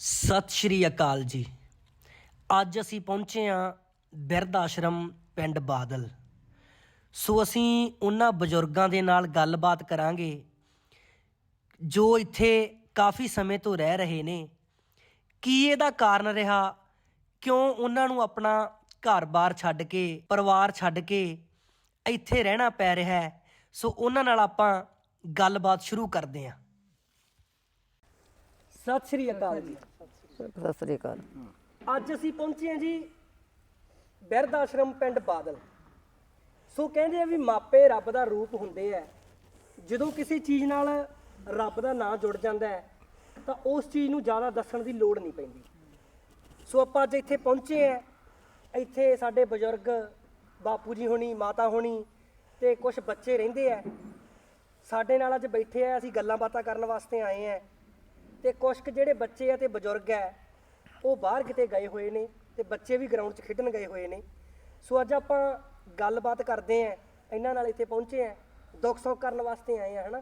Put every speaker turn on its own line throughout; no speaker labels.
ਸਤਿ ਸ਼੍ਰੀ ਅਕਾਲ ਜੀ। ਅੱਜ ਅਸੀਂ ਪਹੁੰਚੇ ਹਾਂ ਬਿਰਧ ਆਸ਼ਰਮ ਪਿੰਡ ਬਾਦਲ। ਸੋ ਅਸੀਂ ਉਹਨਾਂ ਬਜ਼ੁਰਗਾਂ ਦੇ ਨਾਲ ਗੱਲਬਾਤ ਕਰਾਂਗੇ ਜੋ ਇੱਥੇ ਕਾਫੀ ਸਮੇਂ ਤੋਂ ਰਹਿ ਰਹੇ ਨੇ। ਕੀ ਇਹਦਾ ਕਾਰਨ ਰਿਹਾ, ਕਿਉਂ ਉਹਨਾਂ ਨੂੰ ਆਪਣਾ ਘਰ-ਬਾਰ ਛੱਡ ਕੇ, ਪਰਿਵਾਰ ਛੱਡ ਕੇ ਇੱਥੇ ਰਹਿਣਾ ਪੈ ਰਿਹਾ ਹੈ। ਸੋ ਉਹਨਾਂ ਨਾਲ ਆਪਾਂ ਗੱਲਬਾਤ ਸ਼ੁਰੂ ਕਰਦੇ ਹਾਂ। ਸਤਿ ਸ਼੍ਰੀ ਅਕਾਲ ਜੀ।
ਸਤਿ ਸ੍ਰੀ ਅਕਾਲ।
ਅੱਜ ਅਸੀਂ ਪਹੁੰਚੇ ਹਾਂ ਜੀ ਬਿਰਧ ਆਸ਼ਰਮ ਪਿੰਡ ਬਾਦਲ। ਸੋ ਕਹਿੰਦੇ ਆ ਵੀ ਮਾਪੇ ਰੱਬ ਦਾ ਰੂਪ ਹੁੰਦੇ ਆ। ਜਦੋਂ ਕਿਸੇ ਚੀਜ਼ ਨਾਲ ਰੱਬ ਦਾ ਨਾਂ ਜੁੜ ਜਾਂਦਾ ਹੈ ਤਾਂ ਉਸ ਚੀਜ਼ ਨੂੰ ਜ਼ਿਆਦਾ ਦੱਸਣ ਦੀ ਲੋੜ ਨਹੀਂ ਪੈਂਦੀ। ਸੋ ਆਪਾਂ ਅੱਜ ਇੱਥੇ ਪਹੁੰਚੇ ਆ। ਇੱਥੇ ਸਾਡੇ ਬਜ਼ੁਰਗ ਬਾਪੂ ਜੀ ਹੋਣੀ, ਮਾਤਾ ਹੋਣੀ ਤੇ ਕੁਝ ਬੱਚੇ ਰਹਿੰਦੇ ਆ। ਸਾਡੇ ਨਾਲ ਅੱਜ ਬੈਠੇ ਆ, ਅਸੀਂ ਗੱਲਾਂ ਬਾਤਾਂ ਕਰਨ ਵਾਸਤੇ ਆਏ ਆ। ਤੇ ਕੁਛ ਕੁ ਜਿਹੜੇ ਬੱਚੇ ਆ ਤੇ ਬਜ਼ੁਰਗ ਆ ਉਹ ਬਾਹਰ ਕਿਤੇ ਗਏ ਹੋਏ ਨੇ ਤੇ ਬੱਚੇ ਵੀ ਗਰਾਊਂਡ 'ਚ ਖੇਡਣ ਗਏ ਹੋਏ ਨੇ। ਸੋ ਅੱਜ ਆਪਾਂ ਗੱਲਬਾਤ ਕਰਦੇ ਆ ਇਹਨਾਂ ਨਾਲ। ਇੱਥੇ ਪਹੁੰਚੇ ਆ, ਦੁੱਖ ਸੁੱਖ ਕਰਨ ਵਾਸਤੇ ਆਏ ਆ, ਹਨਾ।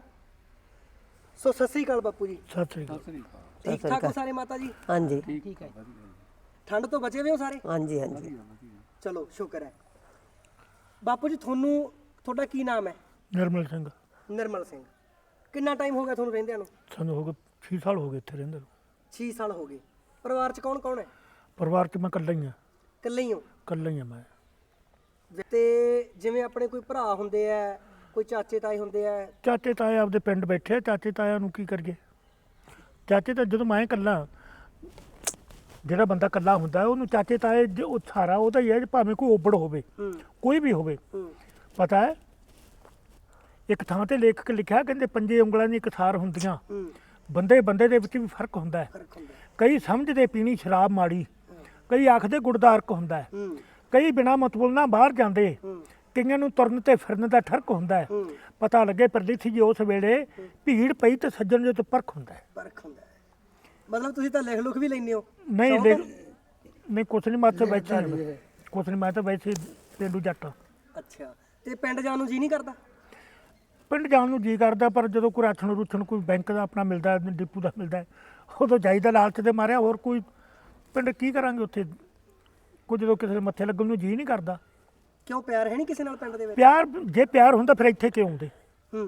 ਸੋ ਸਤਿ ਸ੍ਰੀ ਅਕਾਲ ਬਾਪੂ ਜੀ।
ਸਤਿ ਸ੍ਰੀ ਅਕਾਲ।
ਠੀਕ ਠਾਕ ਹੋ ਸਾਰੇ ਮਾਤਾ ਜੀ?
ਹਾਂਜੀ
ਠੀਕ ਹੈ। ਠੰਡ ਤੋਂ ਬਚੇ ਹੋਏ ਹੋ ਸਾਰੇ?
ਹਾਂਜੀ ਹਾਂਜੀ।
ਚਲੋ ਸ਼ੁਕਰ ਹੈ। ਬਾਪੂ ਜੀ ਤੁਹਾਡਾ ਕੀ ਨਾਮ ਹੈ?
ਨਿਰਮਲ ਸਿੰਘ।
ਨਿਰਮਲ ਸਿੰਘ। ਕਿੰਨਾ ਟਾਈਮ ਹੋ ਗਿਆ ਤੁਹਾਨੂੰ ਰਹਿੰਦਿਆਂ ਨੂੰ?
ਸਾਨੂੰ ਹੋ ਗਏ 6 ਸਾਲ ਹੋ ਗਏ ਇੱਥੇ ਰਹਿੰਦੇ ਨੂੰ।
6 ਸਾਲ ਹੋ ਗਏ। ਪਰਿਵਾਰ 'ਚ ਕੌਣ ਕੌਣ ਹੈ?
ਪਰਿਵਾਰ 'ਚ ਮੈਂ ਇਕੱਲਾ ਹੀ ਹਾਂ।
ਇਕੱਲੇ ਹੀ ਹੋ?
ਇਕੱਲਾ ਹੀ ਹਾਂ ਮੈਂ।
ਤੇ ਜਿਵੇਂ ਆਪਣੇ ਕੋਈ ਭਰਾ ਹੁੰਦੇ ਆ, ਕੋਈ ਚਾਚੇ ਤਾਏ ਹੁੰਦੇ ਆ?
ਚਾਚੇ ਤਾਏ ਆਪਦੇ ਪਿੰਡ ਬੈਠੇ ਆ। ਚਾਚੇ ਤਾਇਆਂ ਨੂੰ ਕੀ ਕਰੀਏ? ਚਾਚੇ ਤਾਂ ਜਦੋਂ ਮੈਂ ਇਕੱਲਾ, ਜਿਹੜਾ ਬੰਦਾ ਇਕੱਲਾ ਹੁੰਦਾ ਉਹਨੂੰ ਚਾਚੇ ਤਾਏ ਉਹ ਸਾਰਾ ਉਹਦਾ ਹੀ ਹੈ। ਭਾਵੇਂ ਕੋਈ ਓਬੜ ਹੋਵੇ, ਕੋਈ ਵੀ ਹੋਵੇ। ਪਤਾ ਹੈ, ਇੱਕ ਥਾਂ ਤੇ ਲੇਖਕ ਲਿਖਿਆ, ਕਹਿੰਦੇ 5 ਉਂਗਲਾਂ ਦੀ ਇੱਕ ਥਾਰ ਹੁੰਦੀਆਂ। ਬੰਦੇ ਬੰਦੇ ਦੇ ਵਿੱਚ ਵੀ ਫਰਕ ਹੁੰਦਾ ਹੈ। ਕਈ ਸਮਝਦੇ ਪੀਣੀ ਸ਼ਰਾਬ ਮਾੜੀ, ਕਈ ਆਖਦੇ ਗੁੜ ਦਾ ਅਰਕ ਹੁੰਦਾ ਹੈ, ਕਈ ਬਿਨਾਂ ਮਤਲਬ ਨਾਲ ਬਾਹਰ ਜਾਂਦੇ, ਕਈਆਂ ਨੂੰ ਤੁਰਨ ਤੇ ਫਿਰਨ ਦਾ ਠਰਕ ਹੁੰਦਾ ਹੈ। ਪਤਾ ਲੱਗੇ ਪਰਦੇਸੀ ਜੀ ਉਸ ਵੇਲੇ ਭੀੜ ਪਈ ਤੇ ਸੱਜਣ ਜੋ ਤੋਂ ਪਰਖ ਹੁੰਦਾ ਹੈ।
ਫਰਕ ਹੁੰਦਾ ਹੈ। ਮਤਲਬ ਤੁਸੀਂ ਤਾਂ ਲਿਖ ਲੁਖ ਵੀ ਲੈਂਦੇ ਹੋ?
ਨਹੀਂ ਨਹੀਂ, ਕੁਛ ਨਹੀਂ, ਮੈਂ ਤਾਂ ਵੈਸੇ ਕੁਛ ਨਹੀਂ, ਮੈਂ ਤਾਂ ਵੈਸੇ ਪੇਂਡੂ ਜੱਟ।
ਅੱਛਾ। ਤੇ ਪਿੰਡ ਜਾਣ ਨੂੰ ਜੀ ਨਹੀਂ ਕਰਦਾ?
ਪਿੰਡ ਜਾਣ ਨੂੰ ਜੀ ਕਰਦਾ, ਪਰ ਜਦੋਂ ਕੋਈ ਰਾਸ਼ਨ ਰੂਸ਼ਨ ਕੋਈ ਬੈਂਕ ਦਾ ਆਪਣਾ ਮਿਲਦਾ, ਡਿਪੂ ਦਾ ਮਿਲਦਾ, ਉਦੋਂ ਜਾਈਦਾ ਲਾਲਚ ਦੇ ਮਾਰਿਆ। ਹੋਰ ਕੋਈ ਪਿੰਡ ਕੀ ਕਰਾਂਗੇ ਉੱਥੇ? ਕੋਈ ਜਦੋਂ ਕਿਸੇ ਦੇ ਮੱਥੇ ਲੱਗਣ ਨੂੰ ਜੀ ਨਹੀਂ ਕਰਦਾ।
ਕਿਉਂ, ਪਿਆਰ ਹੈ ਨਹੀਂ ਕਿਸੇ ਨਾਲ ਪਿੰਡ ਦੇ ਵਿੱਚ?
ਪਿਆਰ, ਜੇ ਪਿਆਰ ਹੁੰਦਾ ਫਿਰ ਇੱਥੇ ਕਿਉਂ ਆਉਂਦੇ?
ਹੂੰ।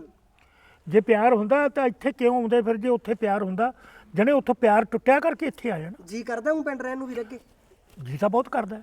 ਜੇ ਪਿਆਰ ਹੁੰਦਾ ਤਾਂ ਇੱਥੇ ਕਿਉਂ ਆਉਂਦੇ? ਫਿਰ ਜੇ ਉੱਥੇ ਪਿਆਰ ਹੁੰਦਾ, ਜਣੇ ਉੱਥੋਂ ਪਿਆਰ ਟੁੱਟਿਆ ਕਰਕੇ ਇੱਥੇ ਆ ਜਾਣਾ।
ਜੀ ਕਰਦਾ ਹੂੰ ਪਿੰਡ ਰਹਿਣ ਨੂੰ ਵੀ ਅੱਗੇ?
ਜੀ ਤਾਂ ਬਹੁਤ ਕਰਦਾ,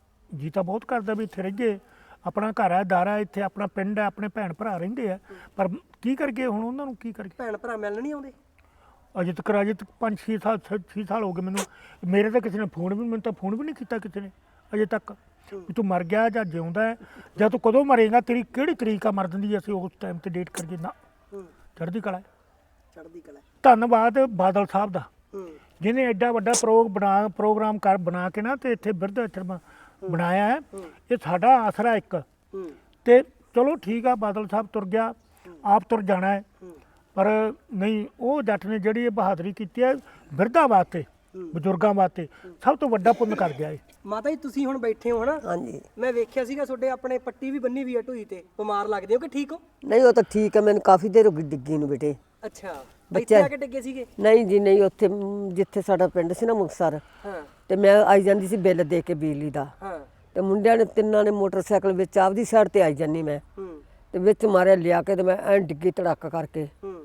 ਜੀ ਤਾਂ ਬਹੁਤ ਕਰਦਾ ਵੀ ਇੱਥੇ ਰਹੀਏ। ਆਪਣਾ ਘਰ ਹੈ, ਦਾਰਾ, ਇੱਥੇ ਆਪਣਾ ਪਿੰਡ ਹੈ, ਆਪਣੇ ਭੈਣ ਭਰਾ ਰਹਿੰਦੇ ਆ। ਪਰ ਕੀ ਕਰੀਏ ਹੁਣ, ਉਹਨਾਂ ਨੂੰ ਕੀ ਕਰੀਏ?
ਭੈਣ ਭਰਾ ਮਿਲਣ ਨਹੀਂ ਆਉਂਦੇ?
ਅਜੇ ਤੱਕ 5-6 ਸਾਲ ਹੋ ਗਏ ਮੈਨੂੰ। ਮੇਰੇ ਤਾਂ ਕਿਸੇ ਨੇ ਮੈਨੂੰ ਤਾਂ ਫੋਨ ਵੀ ਨਹੀਂ ਕੀਤਾ ਕਿਸੇ ਨੇ ਅਜੇ ਤੱਕ ਵੀ ਤੂੰ ਮਰ ਗਿਆ ਜਾਂ ਜਿਉਂਦਾ ਹੈ, ਜਾਂ ਤੂੰ ਕਦੋਂ ਮਰੇਗਾ, ਤੇਰੀ ਕਿਹੜੀ ਤਰੀਕ ਆ ਮਰਨ ਦੀ, ਅਸੀਂ ਉਸ ਟਾਈਮ ਤੇ ਡੇਟ ਕਰੀਏ ਨਾ। ਚੜ੍ਹਦੀ ਕਲਾ।
ਚੜ੍ਹਦੀ ਕਲਾ।
ਧੰਨਵਾਦ ਬਾਦਲ ਸਾਹਿਬ ਦਾ, ਜਿਹਨੇ ਐਡਾ ਵੱਡਾ ਪ੍ਰੋਗਰਾਮ ਬਣਾ ਕੇ ਨਾ ਤੇ ਇੱਥੇ ਬਿਰਧ ਆਸ਼ਰਮ ਬਣਾਇਆ ਹੈ। ਇਹ ਸਾਡਾ ਆਸਰਾ ਇੱਕ। ਤੇ ਚਲੋ ਠੀਕ ਆ, ਬਾਦਲ ਸਾਹਿਬ ਤੁਰ ਗਿਆ, ਆਪ ਤੁਰ ਜਾਣਾ ਹੈ, ਪਰ ਨਹੀਂ, ਉਹ ਜੱਟ ਨੇ ਜਿਹੜੀ ਇਹ ਬਹਾਦਰੀ ਕੀਤੀ ਹੈ ਬਿਰਧਾਂ ਵਾਸਤੇ, ਬਜ਼ੁਰਗਾਂ ਵਾਸਤੇ, ਸਭ ਤੋਂ ਵੱਡਾ ਪੁੰਨ ਕਰ ਗਿਆ ਹੈ। ਮਾਤਾ
ਜੀ ਤੁਸੀਂ ਹੁਣ ਬੈਠੇ ਹੋ, ਹਨਾ?
ਹਾਂਜੀ।
ਮੈਂ ਵੇਖਿਆ ਸੀਗਾ ਤੁਹਾਡੇ ਆਪਣੇ ਪੱਟੀ ਵੀ ਬੰਨੀ ਵੀ ਆ ਢੂਈ ਤੇ। ਬਿਮਾਰ ਲੱਗਦੇ ਹੋ ਕਿ ਠੀਕ ਹੋ?
ਨਹੀਂ, ਉਹ ਤਾਂ ਠੀਕ ਹੈ, ਮੈਨੂੰ ਕਾਫੀ ਦੇਰ ਹੋ ਗਈ ਡਿੱਗੀ ਨੂੰ ਬੇਟੇ।
ਅੱਛਾ।
ਬੱਚੇ
ਇੱਥੇ ਆ ਕੇ ਡਿੱਗੇ ਸੀਗੇ?
ਨਹੀਂ ਜੀ ਨਹੀਂ, ਉੱਥੇ ਜਿੱਥੇ ਸਾਡਾ ਪਿੰਡ ਸੀ ਨਾ ਮੁਕਤਸਰ,
ਹਾਂ।
ਤੇ ਮੈਂ ਆਈ ਜਾਂਦੀ ਸੀ ਬਿੱਲ ਦੇ ਕੇ ਬਿਜਲੀ ਦਾ।
ਹਾਂ।
ਤੇ ਮੁੰਡਿਆਂ ਨੇ ਤਿੰਨਾਂ ਨੇ ਮੋਟਰਸਾਈਕਲ ਵਿੱਚ ਆਪਦੀ ਸਾਈਡ ਤੇ ਆਈ ਜਾਂਦੀ ਮੈਂ, ਤੇ ਵਿੱਚ ਮਾਰਿਆ ਲਿਆ ਕੇ, ਤੇ ਮੈਂ ਐਂ ਡਿੱਗੀ ਧੜਕ ਕਰਕੇ।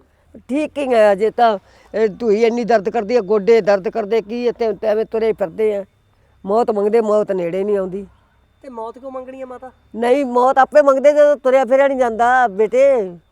ਠੀਕ ਹੀ ਹੈ, ਅਜੇ ਤਾਂ ਢੂਈ ਇੰਨੀ ਦਰਦ ਕਰਦੀ ਹੈ, ਗੋਡੇ ਦਰਦ ਕਰਦੇ, ਕੀ ਇੱਥੇ ਐਵੇਂ ਤੁਰੇ ਫਿਰਦੇ ਆ। ਮੌਤ ਮੰਗਦੇ, ਮੌਤ ਨੇੜੇ ਨਹੀਂ ਆਉਂਦੀ।
ਤੇ ਮੌਤ ਕਿਉਂ ਮੰਗਣੀ ਹੈ ਮਾਤਾ?
ਨਹੀਂ, ਮੌਤ ਆਪੇ ਮੰਗਦੇ ਜਦੋਂ ਤੁਰਿਆ ਫਿਰਿਆ ਨਹੀਂ ਜਾਂਦਾ ਬੇਟੇ।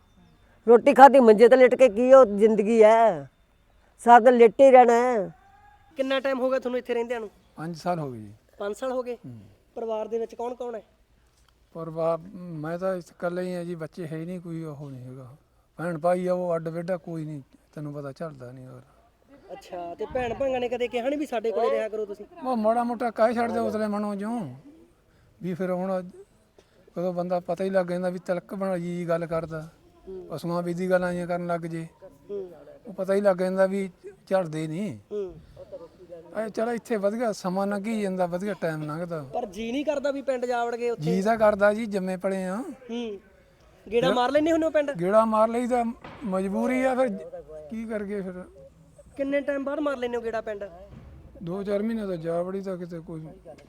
ਰੋਟੀ ਖਾਧੀ ਮੰਜੇ ਤੇ ਲਿਟ ਕੇ ਕੀ ਉਹ ਜ਼ਿੰਦਗੀ ਹੈ? ਸਾਰਾ ਦਿਨ ਲੇਟੇ ਹੀ ਰਹਿਣਾ ਹੈ।
ਕਿੰਨਾ ਟਾਈਮ ਹੋ ਗਿਆ ਤੁਹਾਨੂੰ ਇੱਥੇ ਰਹਿੰਦਿਆਂ ਨੂੰ?
5 ਸਾਲ ਹੋ ਗਏ ਜੀ।
5 ਸਾਲ ਹੋ ਗਏ। ਪਰਿਵਾਰ ਦੇ ਵਿੱਚ ਕੌਣ ਕੌਣ ਹੈ?
ਪਰਿਵਾਰ ਮੈਂ ਤਾਂ ਇਕੱਲਾ ਹੀ ਹਾਂ ਜੀ, ਬੱਚੇ ਹੈ ਹੀ ਨਹੀਂ, ਕੋਈ ਉਹ ਨਹੀਂ ਹੈਗਾ। ਭੈਣ ਭਾਈ ਆ ਉਹ ਅੱਡ ਵੇਡਾ ਕੋਈ ਨਹੀਂ, ਤੈਨੂੰ ਪਤਾ ਚੱਲਦਾ ਨਹੀਂ। ਹੋਰ
ਅੱਛਾ। ਤੇ ਭੈਣ ਭਾਈਆਂ ਨੇ ਕਦੇ ਕਿਹਾ ਨਹੀਂ ਵੀ ਸਾਡੇ ਕੋਲੇ ਰਿਹਾ ਕਰੋ ਤੁਸੀਂ?
ਉਹ ਮਾੜਾ ਮੋਟਾ ਕਹਿ ਛੱਡਦੇ ਉਸਲੇ ਮਨੋਂ ਜੋ ਵੀ। ਫਿਰ ਹੁਣ ਕਦੋਂ ਬੰਦਾ ਪਤਾ ਹੀ ਲੱਗ ਜਾਂਦਾ ਵੀ ਤਿਲਕ ਬਣਾ ਜੀ ਗੱਲ ਕਰਦਾ, ਪਸ਼ੂਆਂ ਵੀ ਦੀ ਗੱਲਾਂ ਜਿਹੀਆਂ ਕਰਨ ਲੱਗ ਜੇ, ਉਹ ਪਤਾ ਹੀ ਲੱਗ ਜਾਂਦਾ ਵੀ ਝੜਦੇ ਨਹੀਂ। ਚਲ ਇੱਥੇ ਵਧੀਆ ਸਮਾਂ ਲੰਘੀ ਜਾਂਦਾ, ਵਧੀਆ ਟਾਈਮ ਲੰਘਦਾ।
ਪਰ ਜੀ ਨਹੀਂ ਕਰਦਾ ਵੀ ਪਿੰਡ ਜਾ ਵੜ ਗਏ ਉੱਥੇ?
ਜੀ ਤਾਂ ਕਰਦਾ ਜੀ, ਜੰਮੇ ਪਲੇ ਆ।
ਗੇੜਾ ਮਾਰ ਲੈਂਦੇ ਹੁੰਦੇ ਹੋ ਪਿੰਡ?
ਗੇੜਾ ਮਾਰ ਲਈ ਤਾਂ ਮਜਬੂਰੀ ਆ, ਫਿਰ ਕੀ ਕਰ ਗਏ ਫਿਰ।
ਕਿੰਨੇ ਟਾਈਮ ਬਾਅਦ ਮਾਰ ਲੈਂਦੇ ਹੋ ਗੇੜਾ ਪਿੰਡ?
2-4 ਮਹੀਨੇ ਤਾਂ ਜਾ ਵੜੀ ਤਾਂ ਕਿਤੇ ਕੋਈ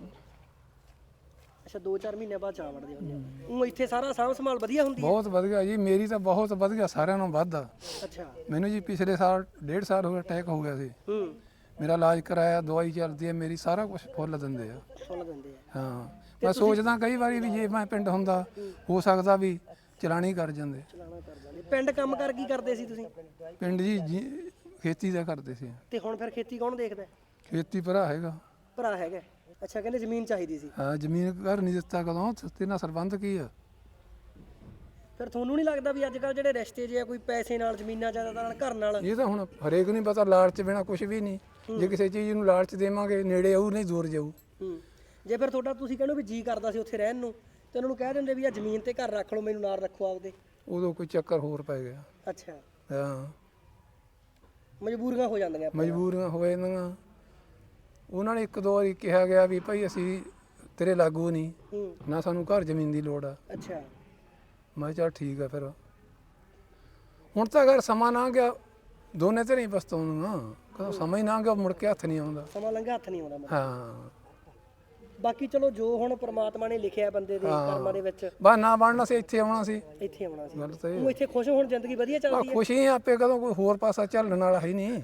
ਅੱਛਾ 2-4 ਮਹੀਨੇ ਬਾਅਦ ਜਾ ਵੜਦੇ ਹੁੰਦੇ ਆ। ਉਹ ਇੱਥੇ ਸਾਰਾ ਸਾਂਭ ਸੰਭਾਲ ਵਧੀਆ ਹੁੰਦੀ ਹੈ?
ਬਹੁਤ ਵਧੀਆ ਜੀ, ਮੇਰੀ ਤਾਂ ਬਹੁਤ ਵਧੀਆ, ਸਾਰਿਆਂ ਨਾਲੋਂ ਵੱਧ ਆ।
ਅੱਛਾ।
ਮੈਨੂੰ ਜੀ ਪਿਛਲੇ ਸਾਲ 1.5 ਸਾਲ ਹੋ ਗਿਆ ਅਟੈਕ ਹੋ ਗਿਆ ਸੀ। ਮੇਰਾ ਇਲਾਜ ਕਰਾਇਆ, ਦਵਾਈ ਚੱਲਦੀ ਹੈ ਮੇਰੀ, ਸਾਰਾ ਕੁਝ ਫੁੱਲ ਦਿੰਦੇ ਆ।
ਫੁੱਲ ਦਿੰਦੇ ਆ।
ਹਾਂ ਮੈਂ ਸੋਚਦਾ ਕਈ ਵਾਰੀ ਵੀ ਜੇ ਮੈਂ ਪਿੰਡ ਹੁੰਦਾ ਹੋ ਸਕਦਾ ਵੀ ਚਲਾਣੀ ਕਰ ਜਾਂਦੇ।
ਚਲਾਣਾ ਕਰ ਜਾਂਦੇ। ਪਿੰਡ ਕੰਮ ਕਰ ਕੀ ਕਰਦੇ ਸੀ ਤੁਸੀਂ?
ਪਿੰਡ ਜੀ ਖੇਤੀ ਦਾ ਕਰਦੇ ਸੀ।
ਤੇ ਹੁਣ ਫਿਰ ਖੇਤੀ ਕੌਣ ਦੇਖਦਾ?
ਖੇਤੀ ਭਰਾ ਹੈਗਾ।
ਭਰਾ ਹੈਗਾ। ਅੱਛਾ, ਕਹਿੰਦੇ ਜ਼ਮੀਨ ਚਾਹੀਦੀ ਸੀ।
ਹਾਂ ਜ਼ਮੀਨ ਘਰ ਨਹੀਂ ਦਿੱਤਾ ਕਦੋਂ, ਤੇ ਨਾਲ ਸਰਬੰਧ ਕੀ ਆ।
ਫਿਰ ਤੁਹਾਨੂੰ ਨਹੀਂ ਲੱਗਦਾ ਵੀ ਅੱਜ ਕੱਲ ਜਿਹੜੇ ਰਿਸ਼ਤੇ ਜੇ ਆ ਕੋਈ ਪੈਸੇ ਨਾਲ, ਜ਼ਮੀਨਾਂ ਜ਼ਿਆਦਾ ਨਾਲ, ਘਰ ਨਾਲ?
ਇਹ ਤਾਂ ਹੁਣ ਹਰੇਕ ਨੂੰ ਪਤਾ, ਲਾਲਚ ਬਿਨਾ ਕੁਝ ਵੀ ਨਹੀਂ। ਜੇ ਕਿਸੇ ਚੀਜ਼ ਨੂੰ ਲਾਲਚ ਦੇਵਾਂਗੇ ਨੇੜੇ ਆਊ ਨਹੀਂ ਦੂਰ ਜਾਊ।
ਜੇ ਫਿਰ ਤੁਹਾਡਾ ਤੁਸੀਂ ਕਹਿੰਦੇ ਵੀ ਜੀ ਕਰਦਾ ਸੀ ਉੱਥੇ ਰਹਿਣ ਨੂੰ, ਤੇ ਉਹਨਾਂ ਨੂੰ ਕਹਿ ਦਿੰਦੇ ਵੀ ਆ ਜ਼ਮੀਨ ਤੇ ਘਰ ਰੱਖ ਲਓ, ਮੈਨੂੰ ਨਾਲ ਰੱਖੋ ਆਪਦੇ।
ਉਦੋਂ ਕੋਈ ਚੱਕਰ ਹੋਰ ਪੈ ਗਿਆ।
ਅੱਛਾ।
ਹਾਂ
ਮਜਬੂਰੀਆਂ ਹੋ ਜਾਂਦੀਆਂ।
ਮਜਬੂਰੀਆਂ ਹੋ ਜਾਂਦੀਆਂ। ਉਹਨਾਂ ਨੇ ਇੱਕ ਦੋ ਵਾਰੀ ਕਿਹਾ ਗਿਆ ਵੀ ਭਾਈ ਅਸੀਂ ਤੇਰੇ ਲਾਗੂ ਨਹੀਂ, ਨਾ ਸਾਨੂੰ ਘਰ ਜ਼ਮੀਨ ਦੀ ਲੋੜ ਆ।
ਅੱਛਾ।
ਮੈਂ ਕਿਹਾ ਚੱਲ ਠੀਕ ਆ। ਫਿਰ ਹੁਣ ਤਾਂ ਅਗਰ ਸਮਾਂ ਲੰਘ ਗਿਆ ਦੋਨੇ ਤੇ ਨਹੀਂ ਪਛਤਾਉਣੀਆਂ, ਕਦੋਂ ਸਮਾਂ ਹੀ ਲੰਘ ਗਿਆ ਮੁੜ ਕੇ ਹੱਥ ਨਹੀਂ ਆਉਂਦਾ।
ਸਮਾਂ ਲੰਘਾ ਹੱਥ ਨਹੀਂ ਆਉਂਦਾ ਮਤਲਬ।
ਹਾਂ
ਬਾਕੀ ਚਲੋ ਜੋ ਹੁਣ ਪ੍ਰਮਾਤਮਾ ਨੇ ਲਿਖਿਆ ਬੰਦੇ ਦੇ ਕਰਮਾਂ ਦੇ ਵਿੱਚ,
ਬਸ ਨਾ ਬਣਨਾ ਸੀ ਇੱਥੇ ਆਉਣਾ ਸੀ।
ਇੱਥੇ ਆਉਣਾ ਸੀ।
ਗੱਲ ਤਾਂ ਇਹ
ਉਹ ਇੱਥੇ ਖੁਸ਼ ਹੋਣ, ਜ਼ਿੰਦਗੀ ਵਧੀਆ ਚੱਲਦੀ ਹੈ।
ਖੁਸ਼ੀ ਆਪੇ ਕਦੋਂ ਕੋਈ ਹੋਰ ਪਾਸਾ ਚੱਲਣ ਵਾਲਾ ਹੈ ਨਹੀਂ।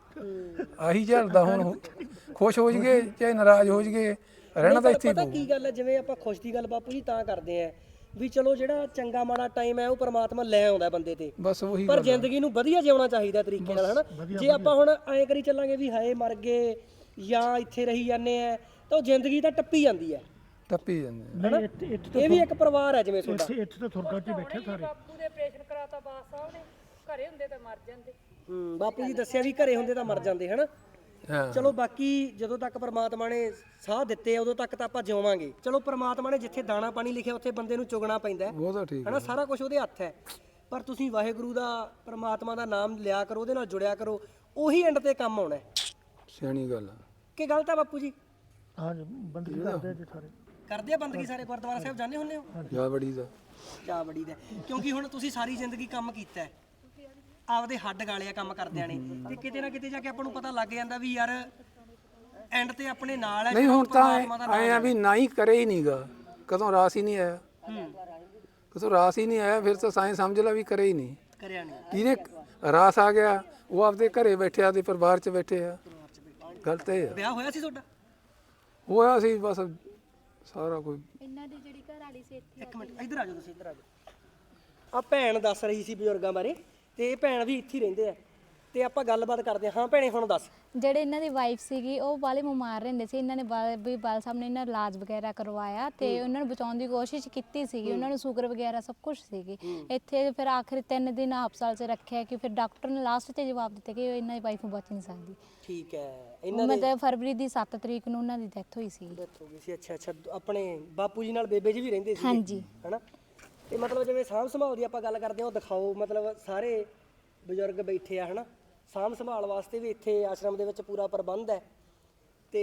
ਆਹੀ ਚੱਲਦਾ ਹੁਣ। ਖੁਸ਼ ਹੋ ਜਗੇ ਚਾਹੇ ਨਾਰਾਜ਼ ਹੋ ਜਗੇ, ਰਹਿਣਾ ਤਾਂ ਇੱਥੇ ਹੀ
ਪਤਾ
ਪਊ।
ਕੀ ਗੱਲ ਹੈ, ਜਿਵੇਂ ਆਪਾਂ ਖੁਸ਼ ਦੀ ਗੱਲ ਬਾਪੂ ਜੀ ਤਾਂ ਕਰਦੇ ਆ ਵੀ ਚਲੋ ਜਿਹੜਾ ਚੰਗਾ ਮਾੜਾ ਟਾਈਮ ਹੈ ਉਹ ਪ੍ਰਮਾਤਮਾ ਲੈ ਆਉਂਦਾ ਬੰਦੇ ਤੇ,
ਬਸ ਉਹੀ
ਪਰ ਜ਼ਿੰਦਗੀ ਨੂੰ ਵਧੀਆ ਜਿਉਣਾ ਚਾਹੀਦਾ ਤਰੀਕੇ ਨਾਲ, ਹਨਾ। ਜੇ ਆਪਾਂ ਹੁਣ ਐਂ ਕਰੀ ਚੱਲਾਂਗੇ ਵੀ ਹਾਏ ਮਰ ਗਏ ਜਾਂ ਇੱਥੇ ਰਹੀ ਜਾਂਦੇ ਆ, ਤਾਂ ਉਹ ਜ਼ਿੰਦਗੀ ਤਾਂ ਟੱਪੀ ਜਾਂਦੀ ਹੈ।
ਟੱਪੀ ਜਾਂਦੇ
ਨਹੀਂ ਇੱਥੇ
ਇਹ ਵੀ ਇੱਕ ਪਰਿਵਾਰ ਹੈ ਜਿਵੇਂ ਤੁਹਾਡਾ।
ਇੱਥੇ ਤਾਂ ਥੁਰਗਾ 'ਚ ਬੈਠੇ ਸਾਰੇ।
ਬਾਪੂ ਦੇ ਆਪਰੇਸ਼ਨ ਕਰਾਤਾ ਬਾਸ ਸਾਹਿਬ ਨੇ, ਘਰੇ ਹੁੰਦੇ ਤਾਂ ਮਰ ਜਾਂਦੇ।
ਬਾਪੂ ਜੀ ਦੱਸਿਆ ਵੀ ਘਰੇ ਹੁੰਦੇ ਤਾਂ ਮਰ ਜਾਂਦੇ, ਹਨਾ।
ਹਾਂ
ਚਲੋ ਬਾਕੀ ਜਦੋਂ ਤੱਕ ਪ੍ਰਮਾਤਮਾ ਨੇ ਸਾਹ ਦਿੱਤੇ ਉਦੋਂ ਤੱਕ ਤਾਂ ਆਪਾਂ ਜਿਉਵਾਂਗੇ। ਚਲੋ ਪ੍ਰਮਾਤਮਾ ਨੇ ਜਿੱਥੇ ਦਾਣਾ ਪਾਣੀ ਲਿਖਿਆ ਉੱਥੇ ਬੰਦੇ ਨੂੰ ਚੁਗਣਾ ਪੈਂਦਾ ਹੈ,
ਉਹ ਤਾਂ ਠੀਕ
ਹਨਾ। ਸਾਰਾ ਕੁਝ ਉਹਦੇ ਹੱਥ ਹੈ, ਪਰ ਤੁਸੀਂ ਵਾਹਿਗੁਰੂ ਦਾ, ਪ੍ਰਮਾਤਮਾ ਦਾ ਨਾਮ ਲਿਆ ਕਰੋ, ਉਹਦੇ ਨਾਲ ਜੁੜਿਆ ਕਰੋ, ਉਹੀ ਐਂਡ ਤੇ ਕੰਮ ਆਉਣਾ ਹੈ।
ਸਿਆਣੀ ਗੱਲ ਆ।
ਕੀ ਗਲਤ ਹੈ ਬਾਪੂ ਜੀ?
ਹਾਂ ਜੀ ਬੰਦਗੀ ਕਰਦੇ ਜੀ ਸਾਰੇ।
ਕਰਦੇ ਆ ਬੰਦਗੀ ਸਾਰੇ? ਗੁਰਦੁਆਰਾ ਸਾਹਿਬ ਜਾਂਦੇ ਹੁੰਦੇ ਹੋ?
ਜਾ ਬੜੀ ਦਾ
ਜਾ ਬੜੀ ਦਾ। ਕਿਉਂਕਿ ਹੁਣ ਤੁਸੀਂ ਸਾਰੀ ਜ਼ਿੰਦਗੀ ਕੰਮ ਕੀਤਾ ਹੈ, ਆਪਦੇ ਹੱਡ ਗਾਲਿਆ ਕੰਮ ਕਰਦਿਆਂ ਨੇ, ਤੇ ਕਿਤੇ ਨਾ ਕਿਤੇ ਜਾ ਕੇ ਆਪਾਂ ਨੂੰ ਪਤਾ ਲੱਗ ਜਾਂਦਾ ਵੀ ਯਾਰ ਐਂਡ ਤੇ ਆਪਣੇ ਨਾਲ ਹੈ।
ਨਹੀਂ ਹੁਣ ਤਾਂ ਆਏ ਆ ਵੀ ਨਾ ਹੀ ਕਰੇ ਹੀ ਨਹੀਂਗਾ, ਕਦੋਂ ਰਾਸ ਹੀ ਨਹੀਂ ਆਇਆ। ਕਦੋਂ ਰਾਸ ਹੀ ਨਹੀਂ ਆਇਆ ਫਿਰ ਤਾਂ ਸਾਇੰਸ ਸਮਝ ਲਾ ਵੀ ਕਰੇ ਹੀ ਨਹੀਂ।
ਕਰਿਆ ਨਹੀਂ।
ਜਿਹਨੇ ਰਾਸ ਆ ਗਿਆ ਉਹ ਆਪਦੇ ਘਰੇ ਬੈਠਿਆ ਤੇ ਪਰਿਵਾਰ 'ਚ ਬੈਠੇ ਆ। ਗਲਤ ਇਹ ਆ।
ਵਿਆਹ ਹੋਇਆ ਸੀ ਤੁਹਾਡਾ?
ਹੋਇਆ ਸੀ ਬਸ ਸਾਰਾ ਕੋਈ।
ਇਹਨਾਂ ਦੀ ਜਿਹੜੀ ਘਰ ਵਾਲੀ ਸੀ ਇੱਥੇ
ਇੱਕ ਮਿੰਟ ਇੱਧਰ ਆ ਜਾਓ, ਤੁਸੀਂ ਇੱਧਰ ਆ ਜਾਓ। ਆ ਭੈਣ ਦੱਸ ਰਹੀ ਸੀ ਬਜ਼ੁਰਗਾਂ ਬਾਰੇ, ਤੇ ਇਹ ਭੈਣ ਵੀ ਇੱਥੇ ਹੀ ਰਹਿੰਦੇ ਆ, ਤੇ ਆਪਾਂ ਗੱਲਬਾਤ ਕਰਦੇ ਹਾਂ। ਹਾਂ ਭੈਣੇ ਹੁਣ ਦੱਸ।
ਜਿਹੜੇ ਇਹਨਾਂ ਦੀ ਵਾਈਫ ਸੀਗੀ ਉਹ ਵਾਲੇ ਬਿਮਾਰ ਰਹਿੰਦੇ ਸੀ। ਇਹਨਾਂ ਨੇ ਬਾਲ ਸਾਹਿਬ ਨੇ ਇਹਨਾਂ ਦਾ ਇਲਾਜ ਵਗੈਰਾ ਕਰਵਾਇਆ ਤੇ ਉਹਨਾਂ ਨੂੰ ਬਚਾਉਣ ਦੀ ਕੋਸ਼ਿਸ਼ ਕੀਤੀ ਸੀਗੀ। ਉਹਨਾਂ ਨੂੰ ਸ਼ੂਗਰ ਵਗੈਰਾ ਸਭ ਕੁਝ ਸੀਗੀ। ਇੱਥੇ ਫਿਰ ਆਖਿਰ 3 ਦਿਨ ਹਸਪਤਾਲ 'ਚ ਰੱਖਿਆ ਕਿ ਫਿਰ ਡਾਕਟਰ ਨੇ ਲਾਸਟ 'ਤੇ ਜਵਾਬ ਦਿੱਤਾ ਕਿ ਇਹਨਾਂ ਦੀ ਵਾਈਫ ਬਚ ਨਹੀਂ ਸਕਦੀ।
ਠੀਕ ਹੈ।
ਮਤਲਬ ਫਰਵਰੀ ਦੀ 7 ਤਰੀਕ ਨੂੰ ਉਹਨਾਂ ਦੀ ਡੈਥ ਹੋਈ ਸੀ।
ਡੈਥ ਹੋ ਗਈ ਸੀ। ਅੱਛਾ ਅੱਛਾ। ਆਪਣੇ ਬਾਪੂ ਜੀ ਨਾਲ ਬੇਬੇ ਜੀ ਵੀ ਰਹਿੰਦੇ ਸੀ?
ਹਾਂਜੀ।
ਹਨਾ। ਤੇ ਮਤਲਬ ਜਿਵੇਂ ਸਾਂਭ ਸੰਭਾਲ ਦੀ ਆਪਾਂ ਗੱਲ ਕਰਦੇ ਹਾਂ, ਉਹ ਦਿਖਾਓ। ਮਤਲਬ ਸਾਰੇ ਬਜ਼ੁਰਗ ਬੈਠੇ ਆ, ਹਨਾ। ਸਾਂਭ ਸੰਭਾਲ ਵਾਸਤੇ ਵੀ ਇੱਥੇ ਆਸ਼ਰਮ ਦੇ ਵਿੱਚ ਪੂਰਾ ਪ੍ਰਬੰਧ ਹੈ, ਤੇ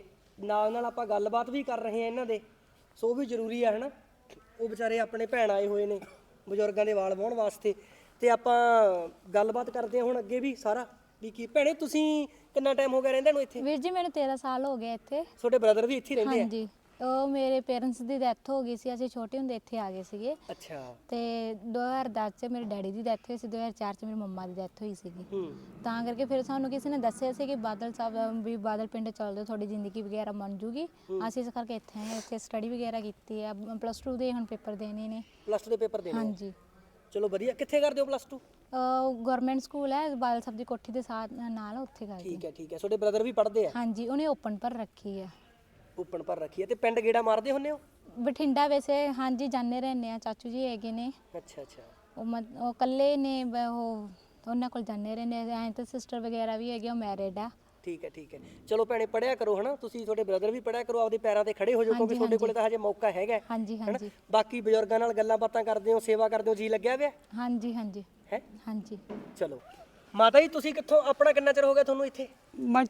ਨਾਲ ਨਾਲ ਆਪਾਂ ਗੱਲਬਾਤ ਵੀ ਕਰ ਰਹੇ ਹਾਂ ਇਹਨਾਂ ਦੇ, ਸੋ ਉਹ ਵੀ ਜ਼ਰੂਰੀ ਆ, ਹਨਾ। ਉਹ ਵਿਚਾਰੇ ਆਪਣੇ ਭੈਣ ਆਏ ਹੋਏ ਨੇ ਬਜ਼ੁਰਗਾਂ ਦੇ ਵਾਲ ਵਾਹੁਣ ਵਾਸਤੇ, ਤੇ ਆਪਾਂ ਗੱਲਬਾਤ ਕਰਦੇ ਹਾਂ ਹੁਣ ਅੱਗੇ ਵੀ ਸਾਰਾ ਵੀ ਕੀ। ਭੈਣੇ ਤੁਸੀਂ ਕਿੰਨਾ ਟਾਈਮ ਹੋ ਗਿਆ ਰਹਿੰਦੇ ਨੂੰ ਇੱਥੇ?
ਵੀਰ ਜੀ ਮੈਨੂੰ 13 ਸਾਲ ਹੋ ਗਏ ਇੱਥੇ।
ਤੁਹਾਡੇ ਬ੍ਰਦਰ ਵੀ ਇੱਥੇ ਹੀ ਰਹਿੰਦੇ ਆ?
ਹਾਂਜੀ। ਉਹ ਮੇਰੇ ਪੇਰੈਂਟਸ ਦੀ ਡੈਥ ਹੋ ਗਈ ਸੀ, ਅਸੀਂ ਛੋਟੇ ਹੁੰਦੇ ਇੱਥੇ ਆ ਗਏ ਸੀਗੇ।
ਅੱਛਾ।
ਤੇ 2010 ਚ ਮੇਰੇ ਡੈਡੀ ਦੀ ਡੈਥ ਹੋਈ ਸੀ, 2004 ਚ ਮੇਰੀ ਮੰਮਾ ਦੀ ਡੈਥ ਹੋਈ ਸੀਗੀ। ਤਾਂ ਕਰਕੇ ਫਿਰ ਸਾਨੂੰ ਕਿਸੇ ਨੇ ਦੱਸਿਆ ਸੀ ਕਿ ਬਾਦਲ ਸਾਹਿਬ ਵੀ ਬਾਦਲ ਪਿੰਡ ਚੱਲ ਜਾਓ, ਤੁਹਾਡੀ ਜ਼ਿੰਦਗੀ ਵਗੈਰਾ ਬਣ ਜੂਗੀ। ਅਸੀਂ ਇਸ ਕਰਕੇ ਇੱਥੇ ਆਏ, ਇੱਥੇ ਸਟੱਡੀ ਵਗੈਰਾ ਕੀਤੀ ਆ। +2 ਦੇ ਹੁਣ ਪੇਪਰ ਦੇਣੇ ਨੇ।
+2 ਦੇ ਪੇਪਰ ਦੇਣੇ?
ਹਾਂਜੀ।
ਚਲੋ ਵਧੀਆ। ਕਿੱਥੇ ਕਰਦੇ ਹੋ +2?
ਗਵਰਨਮੈਂਟ ਸਕੂਲ ਹੈ ਬਾਦਲ ਸਾਹਿਬ ਦੀ ਕੋਠੀ ਦੇ ਨਾਲ, ਉੱਥੇ ਕਰਦੇ।
ਠੀਕ ਹੈ ਠੀਕ ਹੈ। ਤੁਹਾਡੇ ਬ੍ਰਦਰ ਵੀ ਪੜ੍ਹਦੇ ਆ?
ਹਾਂਜੀ। ਉਹਨੇ ਓਪਨ ਪਰ ਰੱਖੀ ਆ।
ਓਪਨ ਪਰ ਰੱਖੀ ਹੈ। ਤੇ ਪਿੰਡ ਗੇੜਾ ਮਾਰਦੇ ਹੁੰਦੇ ਹੋ?
ਬਠਿੰਡਾ ਵੈਸੇ ਹਾਂਜੀ ਜਾਂਦੇ ਰਹਿੰਦੇ ਆ, ਚਾਚੂ ਜੀ ਹੈਗੇ ਨੇ।
ਅੱਛਾ ਅੱਛਾ।
ਉਹ ਇਕੱਲੇ ਨੇ, ਉਹ ਉਹਨਾਂ ਕੋਲ ਜਾਂਦੇ ਰਹਿੰਦੇ ਐਂ। ਤਾਂ ਸਿਸਟਰ ਵਗੈਰਾ ਵੀ ਹੈਗੇ, ਉਹ ਮੈਰਿਡ ਆ।
ਠੀਕ ਹੈ ਠੀਕ ਹੈ। ਚਲੋ ਭੈਣੇ ਪੜ੍ਹਿਆ ਕਰੋ, ਹਨਾ। ਤੁਸੀਂ ਤੁਹਾਡੇ ਬ੍ਰਦਰ ਵੀ ਪੜ੍ਹਿਆ ਕਰੋ, ਆਪਦੇ ਪੈਰਾਂ ਤੇ ਖੜੇ ਹੋ ਜਾਓ, ਕਿਉਂਕਿ ਤੁਹਾਡੇ ਕੋਲੇ ਤਾਂ ਹਜੇ ਮੌਕਾ ਹੈਗਾ।
ਹਾਂਜੀ ਹਾਂਜੀ।
ਬਾਕੀ ਬਜ਼ੁਰਗਾਂ ਨਾਲ ਗੱਲਾਂ ਬਾਤਾਂ ਕਰਦੇ ਹੋ, ਸੇਵਾ ਕਰਦੇ ਹੋ, ਜੀ ਲੱਗਿਆ ਪਿਆ
ਹਾਂਜੀ ਹਾਂਜੀ
ਹੈ?
ਹਾਂਜੀ।
ਚਲੋ ਮਾਤਾ ਜੀ, ਤੁਸੀਂ ਕਿੱਥੋਂ, ਆਪਣਾ ਕਿੰਨਾ ਚਿਰ ਹੋ ਗਿਆ ਤੁਹਾਨੂੰ ਇੱਥੇ?
ਮੈਂ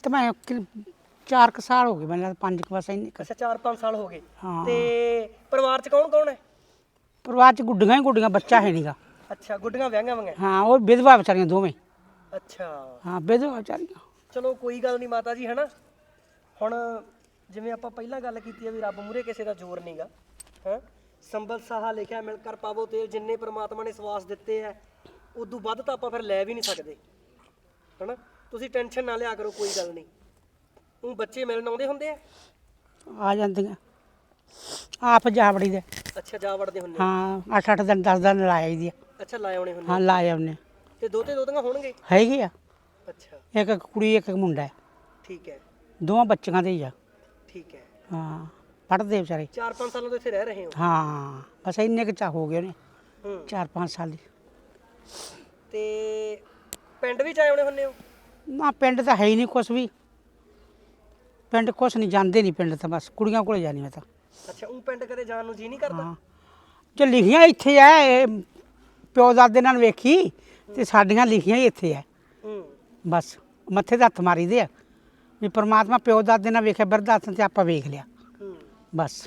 4 ਸਾਲ ਹੋ ਗਏ, ਮੈਨੂੰ 5 ਬਸ ਇੰਨੇ ਕੁ।
ਅੱਛਾ 4-5 ਸਾਲ ਹੋ ਗਏ।
ਹਾਂ।
ਤੇ ਪਰਿਵਾਰ 'ਚ ਕੌਣ ਕੌਣ ਹੈ?
ਪਰਿਵਾਰ ਚ ਗੁੱਡੀਆਂ ਹੀ ਗੁੱਡੀਆਂ, ਬੱਚਾ ਹੈ ਨਹੀਂਗਾ।
ਅੱਛਾ, ਗੁੱਡੀਆਂ ਵਿਆਹੀਆਂ ਵਾਂਗੀਆਂ?
ਹਾਂ, ਉਹ ਵਿਧਵਾ ਵਿਚਾਰੀਆਂ ਦੋਵੇਂ।
ਅੱਛਾ।
ਹਾਂ, ਵਿਧਵਾ ਵਿਚਾਰੀਆਂ।
ਚਲੋ ਕੋਈ ਗੱਲ ਨਹੀਂ ਮਾਤਾ ਜੀ, ਹਨਾ। ਹੁਣ ਜਿਵੇਂ ਆਪਾਂ ਪਹਿਲਾਂ ਗੱਲ ਕੀਤੀ ਆ ਵੀ ਰੱਬ ਮੂਹਰੇ ਕਿਸੇ ਦਾ ਜ਼ੋਰ ਨਹੀਂਗਾ ਹੈ। ਸੰਬਲ ਸਾਹਾ ਲਿਖਿਆ ਮਿਲ ਕਰ ਪਾਵੋ ਤੇਲ, ਜਿੰਨੇ ਪ੍ਰਮਾਤਮਾ ਨੇ ਸਵਾਸ ਦਿੱਤੇ ਆ ਉਦੋਂ ਵੱਧ ਤਾਂ ਆਪਾਂ ਫਿਰ ਲੈ ਵੀ ਨਹੀਂ ਸਕਦੇ ਹਨਾ। ਤੁਸੀਂ ਟੈਨਸ਼ਨ ਨਾ ਲਿਆ ਕਰੋ, ਕੋਈ ਗੱਲ ਨਹੀਂ। ਉਹ ਬੱਚੇ ਮਿਲਣ ਆਉਂਦੇ ਹੁੰਦੇ ਆ
ਜਾਂਦੀਆਂ ਆਪ ਜਾਵੜੀ ਦੇ।
ਅੱਛਾ, ਜਾ ਵੜਦੇ ਹੁੰਦੇ
ਹਾਂ 8-8 ਦਿਨ 10 ਦਿਨ ਲਾਈ ਦੀ ਆ।
ਅੱਛਾ, ਲਾਏ ਆਉਣੇ ਹੁੰਦੇ
ਹਾਂ ਲਾਏ ਉਹਨੇ
ਤੇ ਦੋਤੇ ਦੋਤੀਆਂ ਹੋਣਗੇ?
ਹੈਗੀ ਆ,
ਅੱਛਾ
ਇੱਕ ਕੁੜੀ ਇੱਕ ਮੁੰਡਾ ਹੈ,
ਠੀਕ ਹੈ
ਦੋਵਾਂ ਬੱਚਿਆਂ ਦੇ ਹੀ ਆ।
ਠੀਕ ਹੈ।
ਹਾਂ ਪੜ੍ਹਦੇ ਵਿਚਾਰੇ।
4-5 ਸਾਲਾਂ ਤੋਂ ਇੱਥੇ ਰਹਿ ਰਹੇ ਹੋ?
ਹਾਂ ਬਸ ਇੰਨੇ ਕੁ ਚਾ ਹੋ ਗਏ ਨੇ,
ਹੂੰ
4-5 ਸਾਲ ਦੀ।
ਤੇ ਪਿੰਡ ਵੀ ਆਏ ਆਉਣੇ ਹੁੰਦੇ ਹੋ?
ਨਾ ਪਿੰਡ ਤਾਂ ਹੈ ਹੀ ਨਹੀਂ ਕੁਛ ਵੀ, ਪਿੰਡ ਕੁਛ ਨਹੀਂ, ਜਾਂਦੇ ਨਹੀਂ ਪਿੰਡ ਤਾਂ, ਬਸ ਕੁੜੀਆਂ ਕੋਲੇ ਜਾਣੀ ਮੈਂ ਤਾਂ।
ਅੱਛਾ, ਉਹ ਪਿੰਡ ਕਦੇ ਜਾਣ ਨੂੰ ਜੀ ਨਹੀਂ ਕਰਦਾ?
ਹਾਂ ਜੇ ਲਿਖੀਆਂ ਇੱਥੇ ਆ, ਇਹ ਪਿਓ ਦਾਦੇ ਨਾਲ ਵੇਖੀ ਤੇ ਸਾਡੀਆਂ ਲਿਖੀਆਂ ਹੀ ਇੱਥੇ ਆ।
ਹੂੰ
ਬਸ ਮੱਥੇ ਤੇ ਹੱਥ ਮਾਰੀ ਦੇ ਆ ਵੀ ਪ੍ਰਮਾਤਮਾ ਪਿਓ ਦਾਦੇ ਨਾਲ ਵੇਖਿਆ, ਬਿਰਧ ਆਸਣ ਤੇ ਆਪਾਂ ਵੇਖ ਲਿਆ
ਹੂੰ
ਬਸ।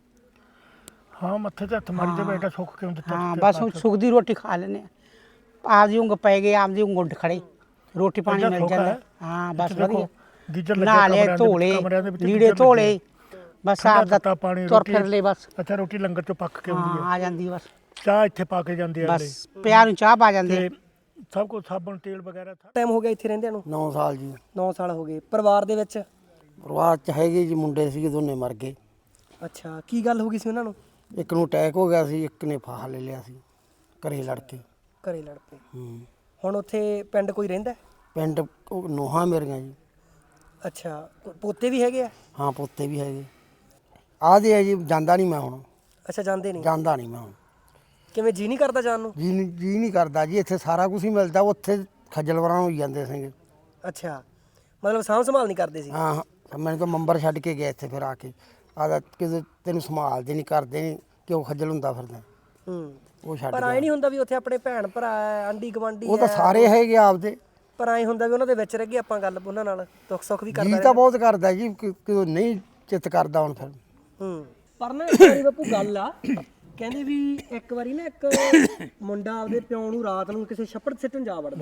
ਹਾਂ ਮੱਥੇ ਤੇ ਹੱਥ ਮਾਰੀ ਦੇ ਬੇਟਾ, ਸੁੱਖ ਕਿਉਂ ਦਿੱਤਾ?
ਹਾਂ ਬਸ ਹੁਣ ਸੁੱਖ ਦੀ ਰੋਟੀ ਖਾ ਲੈਨੇ ਆ, ਆਪਦੀ ਉਂਗ ਪੈ ਗਏ, ਆਪਦੀ ਉਂਗ ਉੱਡ ਖੜੇ, ਰੋਟੀ ਪਾਣੀ
ਇੱਦਾਂ
ਮਿਲ
ਸੌਖਾ
ਜਾਂਦਾ।
ਹੈ।
ਹਾਂ ਬਸ
ਇੱਥੇ ਦੇਖੋ,
ਵਧੀਆ,
ਗੀਜ਼ਰ ਲੱਗਿਆ
ਨਾਲੇ
ਕਮਰਿਆਂ ਦੇ ਵਿੱਚ,
ਧੋਲੇ
ਕਮਰਿਆਂ ਦੇ ਵਿੱਚ
ਲੀੜੇ
ਗੀਜ਼ਰ
ਧੋਲੇ,
ਲੱਗੇ।
ਬਸ
ਠੰਡਾ
ਆਪਦਾ
ਤੱਤਾ ਪਾਣੀ,
ਤੁਰ
ਰੋਟੀ।
ਫਿਰ ਲੈ ਬਸ।
ਅੱਛਾ, ਰੋਟੀ ਲੰਗਰ ਚੋਂ ਪੱਕ ਕੇ ਆਉਂਦੀ
ਹਾਂ
ਹੈ,
ਆ ਜਾਂਦੀ ਬਸ,
ਚਾਹ ਇੱਥੇ ਪਾ ਕੇ ਜਾਂਦੇ ਆ ਅਗਲੇ,
ਬਸ ਪਿਆਰ ਨੂੰ ਚਾਹ ਪਾ ਜਾਂਦੇ।
ਤੇ ਸਭ ਕੁਝ ਸਾਬਣ ਤੇਲ ਵਗੈਰਾ
ਟਾਈਮ ਹੋ ਗਿਆ ਇੱਥੇ ਰਹਿੰਦਿਆਂ ਨੂੰ?
9 ਸਾਲ ਜੀ।
9 ਸਾਲ ਹੋ ਗਏ। ਪਰਿਵਾਰ ਦੇ ਵਿੱਚ?
ਪਰਿਵਾਰ ਚ ਹੈਗੇ ਜੀ, ਮੁੰਡੇ ਸੀਗੇ, ਦੋਨੇ ਮਰ ਗਏ।
ਅੱਛਾ, ਕੀ ਗੱਲ ਹੋ ਗਈ ਸੀ ਉਹਨਾਂ ਨੂੰ?
ਇੱਕ ਨੂੰ ਅਟੈਕ ਹੋ ਗਿਆ ਸੀ, ਇੱਕ ਨੇ ਫਾਹਾ ਲੈ ਲਿਆ ਸੀ ਘਰੇ ਲੜ ਕੇ।
ਘਰੇ ਲੜ ਪਏ।
ਹੂੰ।
ਹੁਣ ਉੱਥੇ ਪਿੰਡ ਕੋਈ ਰਹਿੰਦਾ?
ਪਿੰਡ ਉਹ ਨੋਹਾਂ ਮੇਰੀਆਂ ਜੀ।
ਅੱਛਾ, ਪੋਤੇ ਵੀ ਹੈਗੇ ਆ?
ਹਾਂ ਪੋਤੇ ਵੀ ਹੈਗੇ। ਆਦੇ ਆ ਜੀ, ਜਾਂਦਾ ਨਹੀਂ ਮੈਂ ਹੁਣ,
ਅੱਛਾ, ਜਾਂਦੇ ਨਹੀਂ?
ਜਾਂਦਾ ਨਹੀਂ ਮੈਂ ਹੁਣ।
ਕਿਵੇਂ ਜੀ ਨਹੀਂ ਕਰਦਾ ਜਾਣ ਨੂੰ?
ਜੀ ਨਹੀਂ ਕਰਦਾ ਜੀ, ਇੱਥੇ ਸਾਰਾ ਕੁਝ ਹੀ ਮਿਲਦਾ, ਉੱਥੇ ਖੱਜਲ ਵਰਾਂ ਹੋਈ ਜਾਂਦੇ ਸੀਗੇ।
ਅੱਛਾ, ਮਤਲਬ ਸਾਂਭ ਸੰਭਾਲ ਨਹੀਂ ਕਰਦੇ ਸੀ?
ਹਾਂ ਮੈਨੂੰ ਤਾਂ ਮੰਬਰ ਛੱਡ ਕੇ ਗਿਆ ਇੱਥੇ, ਫਿਰ ਆ ਕੇ ਆਦਾ ਕਿਸੇ ਤੈਨੂੰ ਸੰਭਾਲਦੇ ਨਹੀਂ, ਕਰਦੇ ਨਹੀਂ, ਕਿਉਂ ਖੱਜਲ ਹੁੰਦਾ ਫਿਰਦਾ।
ਹੂੰ।
ਉਹ ਛੱਡ
ਪਰ
ਗਿਆ।
ਐ ਨਹੀਂ ਹੁੰਦਾ ਵੀ ਉੱਥੇ ਆਪਣੇ ਭੈਣ ਭਰਾ ਹੈ, ਆਂਢੀ ਗੁਆਂਢੀ
ਉਹ ਤਾਂ
ਹੈ?
ਸਾਰੇ ਹੈਗੇ ਆਪਦੇ।
ਪਰ ਐ ਹੁੰਦਾ ਵੀ ਉਹਨਾਂ ਦੇ ਵਿੱਚ ਰਹਿ ਗਏ ਆਪਾਂ, ਗੱਲ ਉਹਨਾਂ ਨਾਲ ਦੁੱਖ ਸੁੱਖ ਵੀ ਕਰਦਾ
ਜੀ ਤਾਂ ਬਹੁਤ ਕਰਦਾ ਜੀ, ਕਿਉਂ ਨਹੀਂ ਚਿੱਤ ਕਰਦਾ ਹੁਣ ਫਿਰ।
ਹੂੰ। ਪਰ ਨਾ ਇੱਕ ਵਾਰੀ ਬਾਪੂ ਗੱਲ ਆ, ਕਹਿੰਦੇ ਵੀ ਇੱਕ ਵਾਰੀ ਨਾ ਇੱਕ ਮੁੰਡਾ ਆਪਦੇ ਪਿਓ ਨੂੰ ਰਾਤ ਨੂੰ ਕਿਸੇ ਛੱਪੜ ਸਿੱਟਣ ਜਾ ਵੜਦਾ,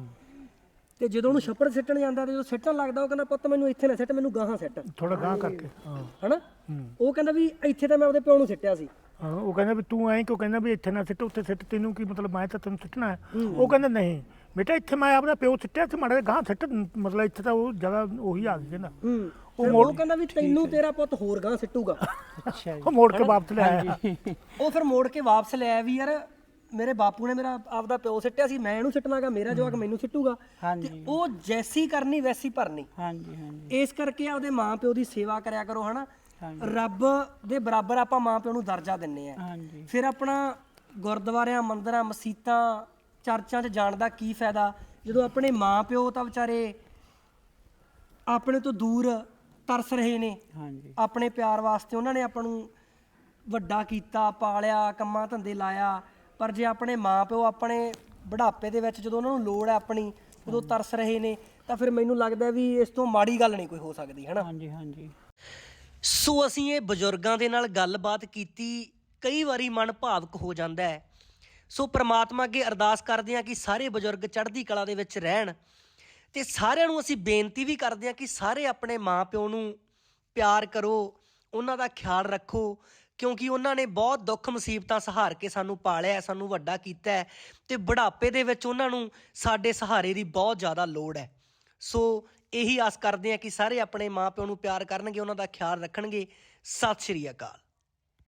ਤੇ ਜਦੋਂ ਉਹਨੂੰ ਛੱਪੜ ਸਿੱਟਣ ਜਾਂਦਾ ਤੇ ਜਦੋਂ ਸਿੱਟਣ ਲੱਗਦਾ ਉਹ ਕਹਿੰਦਾ ਪੁੱਤ ਮੈਨੂੰ ਇੱਥੇ ਨਾ ਸਿੱਟ, ਮੈਨੂੰ ਗਾਹਾਂ ਸਿੱਟ,
ਥੋੜਾ ਗਾਂ ਕਰਕੇ। ਹਾਂ
ਹਨਾ? ਉਹ ਕਹਿੰਦਾ ਵੀ ਇੱਥੇ ਤਾਂ ਮੈਂ ਆਪਦੇ ਪਿਓ ਨੂੰ ਸਿੱਟਿਆ ਸੀ।
ਹਾਂ, ਉਹ ਕਹਿੰਦਾ ਵੀ ਤੂੰ ਐਂ ਕਿਉਂ ਕਹਿੰਦਾ ਵੀ ਇੱਥੇ ਨਾ ਸਿੱਟ, ਉੱਥੇ ਸਿੱਟ, ਤੈਨੂੰ ਕੀ ਮਤਲਬ, ਮੈਂ ਤਾਂ ਤੈਨੂੰ ਸਿੱਟਣਾ ਹੈ। ਉਹ ਕਹਿੰਦਾ ਨਹੀਂ ਬੇਟਾ, ਇੱਥੇ ਮੈਂ ਆਪਦਾ ਪਿਓ ਸਿੱਟਿਆ ਸੀ, ਮਾੜਾ ਗਾਂ ਸਿੱਟ, ਮਤਲਬ ਇੱਥੇ ਤਾਂ ਉਹ ਜਗ੍ਹਾ ਉਹੀ ਆ ਗਈ ਕਹਿੰਦਾ।
ਉਹ ਕਹਿੰਦਾ ਵੀ ਤੈਨੂੰ ਤੇਰਾ ਪੁੱਤ ਹੋਰ ਗਾਂ ਸਿੱਟੂਗਾ।
ਉਹ ਮੋੜ ਕੇ ਵਾਪਸ ਲੈ ਆਇਆ।
ਉਹ ਫਿਰ ਮੋੜ ਕੇ ਵਾਪਸ ਲੈ ਆਇਆ ਵੀ ਯਾਰ ਮੇਰੇ ਬਾਪੂ ਨੇ ਮੇਰਾ ਆਪਦਾ ਪਿਓ ਸਿੱਟਿਆ ਸੀ, ਮੈਂ ਇਹਨੂੰ ਸਿੱਟਣਾਗਾ, ਮੇਰਾ ਜਵਾਕ ਮੈਨੂੰ ਸਿੱਟੂਗਾ। ਤੇ ਉਹ ਜੈਸੀ ਕਰਨੀ ਵੈਸੀ ਭਰਨੀ।
ਹਾਂਜੀ ਹਾਂਜੀ।
ਇਸ ਕਰਕੇ ਆਪਦੇ ਮਾਂ ਪਿਓ ਦੀ ਸੇਵਾ ਕਰਿਆ ਕਰੋ, ਹਨਾ? ਰੱਬ ਦੇ ਬਰਾਬਰ ਆਪਾਂ ਮਾਂ ਪਿਓ ਨੂੰ ਦਰਜਾ ਦਿੰਨੇ ਆ। ਫਿਰ ਆਪਣਾ ਗੁਰਦੁਆਰਿਆਂ, ਮੰਦਿਰਾਂ, ਮਸੀਤਾਂ, ਚਰਚਾਂ 'ਚ ਜਾਣ ਦਾ ਕੀ ਫਾਇਦਾ ਜਦੋਂ ਆਪਣੇ ਮਾਂ ਪਿਓ ਤਾਂ ਵਿਚਾਰੇ ਆਪਣੇ ਤੋਂ ਦੂਰ ਤਰਸ ਰਹੇ ਨੇ। ਆਪਣੇ ਪਿਆਰ ਵਾਸਤੇ ਉਹਨਾਂ ਨੇ ਆਪਾਂ ਨੂੰ ਵੱਡਾ ਕੀਤਾ, ਪਾਲਿਆ, ਕੰਮਾਂ ਧੰਦੇ ਲਾਇਆ। ਪਰ ਜੇ ਆਪਣੇ ਮਾਂ ਪਿਓ ਆਪਣੇ ਬੁਢਾਪੇ ਦੇ ਵਿੱਚ ਜਦੋਂ ਉਹਨਾਂ ਨੂੰ ਲੋੜ ਹੈ ਆਪਣੀ, ਉਦੋਂ ਤਰਸ ਰਹੇ ਨੇ, ਤਾਂ ਫਿਰ ਮੈਨੂੰ ਲੱਗਦਾ ਵੀ ਇਸ ਤੋਂ ਮਾੜੀ ਗੱਲ ਨਹੀਂ ਕੋਈ ਹੋ ਸਕਦੀ, ਹੈ ਨਾ?
ਹਾਂਜੀ ਹਾਂਜੀ।
ਸੋ ਅਸੀਂ ਇਹ ਬਜ਼ੁਰਗਾਂ ਦੇ ਨਾਲ ਗੱਲਬਾਤ ਕੀਤੀ, ਕਈ ਵਾਰੀ ਮਨ ਭਾਵਕ ਹੋ ਜਾਂਦਾ ਹੈ। ਸੋ ਪ੍ਰਮਾਤਮਾ ਅੱਗੇ ਅਰਦਾਸ ਕਰਦੇ ਹਾਂ ਕਿ ਸਾਰੇ ਬਜ਼ੁਰਗ ਚੜ੍ਹਦੀ ਕਲਾ ਦੇ ਵਿੱਚ ਰਹਿਣ, ਤੇ ਸਾਰਿਆਂ ਨੂੰ ਅਸੀਂ ਬੇਨਤੀ ਵੀ ਕਰਦੇ ਹਾਂ ਕਿ ਸਾਰੇ ਆਪਣੇ ਮਾਂ ਪਿਓ ਨੂੰ ਪਿਆਰ ਕਰੋ, ਉਹਨਾਂ ਦਾ ਖਿਆਲ ਰੱਖੋ, ਕਿਉਂਕਿ ਉਹਨਾਂ ਨੇ ਬਹੁਤ ਦੁੱਖ ਮੁਸੀਬਤਾਂ ਸਹਾਰ ਕੇ ਸਾਨੂੰ ਪਾਲਿਆ, ਸਾਨੂੰ ਵੱਡਾ ਕੀਤਾ ਹੈ, ਤੇ ਬੁਢਾਪੇ ਦੇ ਵਿੱਚ ਉਹਨਾਂ ਨੂੰ ਸਾਡੇ ਸਹਾਰੇ ਦੀ ਬਹੁਤ ਜ਼ਿਆਦਾ ਲੋੜ ਹੈ। ਸੋ ਇਹੀ ਆਸ ਕਰਦੇ ਹਾਂ ਕਿ ਸਾਰੇ ਆਪਣੇ ਮਾਂ ਪਿਓ ਨੂੰ ਪਿਆਰ ਕਰਨਗੇ, ਉਹਨਾਂ ਦਾ ਖਿਆਲ ਰੱਖਣਗੇ। ਸਤਿ ਸ਼੍ਰੀ ਅਕਾਲ।